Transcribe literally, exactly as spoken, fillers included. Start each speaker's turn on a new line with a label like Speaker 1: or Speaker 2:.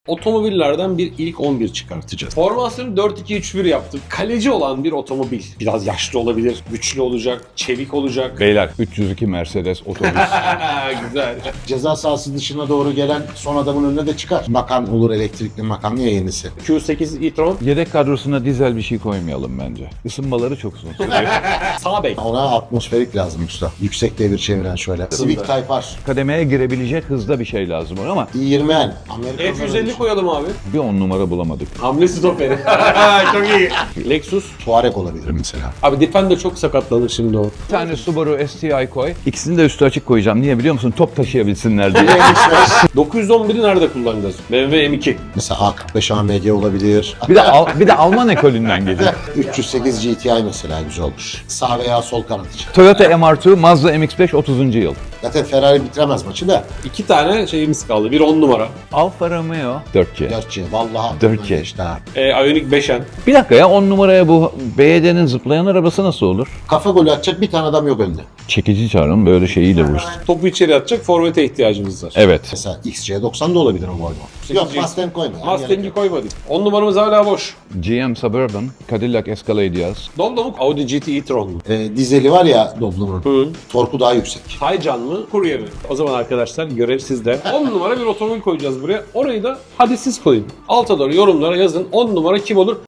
Speaker 1: Otomobillerden bir ilk on bir çıkartacağız. Formasyonu dört iki üç bir yaptık. Kaleci olan bir otomobil. Biraz yaşlı olabilir, güçlü olacak, çevik olacak.
Speaker 2: Beyler üç yüz iki Mercedes otobüs.
Speaker 1: Güzel.
Speaker 3: Ceza sahası dışına doğru gelen son adamın önüne de çıkar. Makan olur, elektrikli makan ya yenisi.
Speaker 1: Q sekiz e-tron.
Speaker 2: Yedek kadrosuna dizel bir şey koymayalım bence. Isınmaları çok uzun sürüyor.
Speaker 1: Sağ bek.
Speaker 3: Ona atmosferik lazım usta. Yüksek devir çeviren şöyle. Civic Type R.
Speaker 2: Kademeye girebilecek hızda bir şey lazım ona ama
Speaker 3: i yirmi N. Amerikan
Speaker 1: F yüz elli koyalım abi.
Speaker 2: bir on numara bulamadık.
Speaker 1: Hamle stoperi. Çok iyi. Lexus.
Speaker 3: Tuareg olabilir mesela.
Speaker 1: Abi Defender çok sakatlanır şimdi o.
Speaker 2: Bir tane Subaru S T I koy. İkisini de üstü açık koyacağım. Niye biliyor musun? Top taşıyabilsinler diye.
Speaker 1: dokuz yüz on biri nerede kullanacağız? B M W M iki.
Speaker 3: Mesela A kırk beş A M G olabilir.
Speaker 2: Bir de Al- bir de Alman ekolünden geliyor.
Speaker 3: üç yüz sekiz G T I mesela güzel olur. Sağ veya sol kanat için.
Speaker 2: Toyota M R iki, Mazda M X beş otuzuncu yıl.
Speaker 3: Zaten Ferrari bitiremez maçı da.
Speaker 1: İki tane şeyimiz kaldı. Bir on numara.
Speaker 2: Alfa Romeo dört C.
Speaker 3: dört C. Vallahi
Speaker 2: dört C.
Speaker 3: işte ha.
Speaker 1: E, Ioniq beş N.
Speaker 2: Bir dakika ya on numaraya bu B Y D'nin zıplayan arabası nasıl olur?
Speaker 3: Kafa golü atacak bir tane adam yok önünde.
Speaker 2: Çekici çağırın böyle şeyiyle vursun.
Speaker 1: Topu içeri atacak forvete ihtiyacımız var.
Speaker 2: Evet.
Speaker 3: Mesela X C doksan da olabilir o Volvo. Yok
Speaker 1: sekiz G.
Speaker 3: Mustang koyma. ya.
Speaker 1: Mustang'i koymadık. on numaramız hala boş.
Speaker 2: G M Suburban, Cadillac Escalade yaz.
Speaker 1: Domdom Audi G T e-tron mu?
Speaker 3: Ee, dizeli var ya Doblo'nun.
Speaker 1: Hı.
Speaker 3: Torku daha yüksek.
Speaker 1: Taycan mı? Courier mi? O zaman arkadaşlar görev sizde. on numara bir otomobil koyacağız buraya. Orayı da hadi siz koyun. Alta doğru yorumlara yazın. on numara kim olur?